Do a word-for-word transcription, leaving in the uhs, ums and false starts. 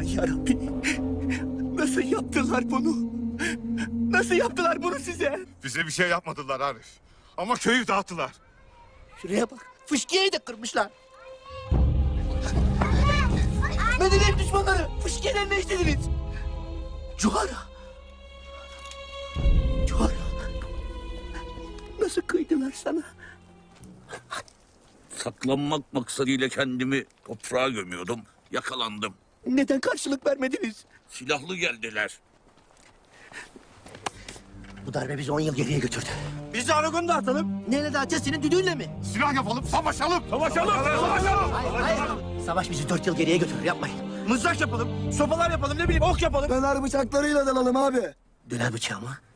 Ya Rabbi, nasıl yaptılar bunu? Nasıl yaptılar bunu size? Bize bir şey yapmadılar Arif. Ama köyü dağıttılar. Şuraya bak, fışkiyeyi de kırmışlar. Medeniyet düşmanları, fışkiyelerine işlediniz. Cuhara. Cuhara. Nasıl kıydılar sana? Saklanmak maksadıyla kendimi toprağa gömüyordum. Yakalandım. Neden karşılık vermediniz? Silahlı geldiler. Bu darbe bizi on yıl geriye götürdü. Biz de Aragon'u da atalım. Neyle dağıtacağız, senin düdüğünle mi? Silah yapalım, savaşalım. Savaşalım. Savaşalım. Hayır, hayır. Savaş bizi dört yıl geriye götürür, yapmayın. Mızrak yapalım, sopalar yapalım, ne bileyim ok yapalım. Döner bıçaklarıyla dalalım abi. Döner bıçağı mı?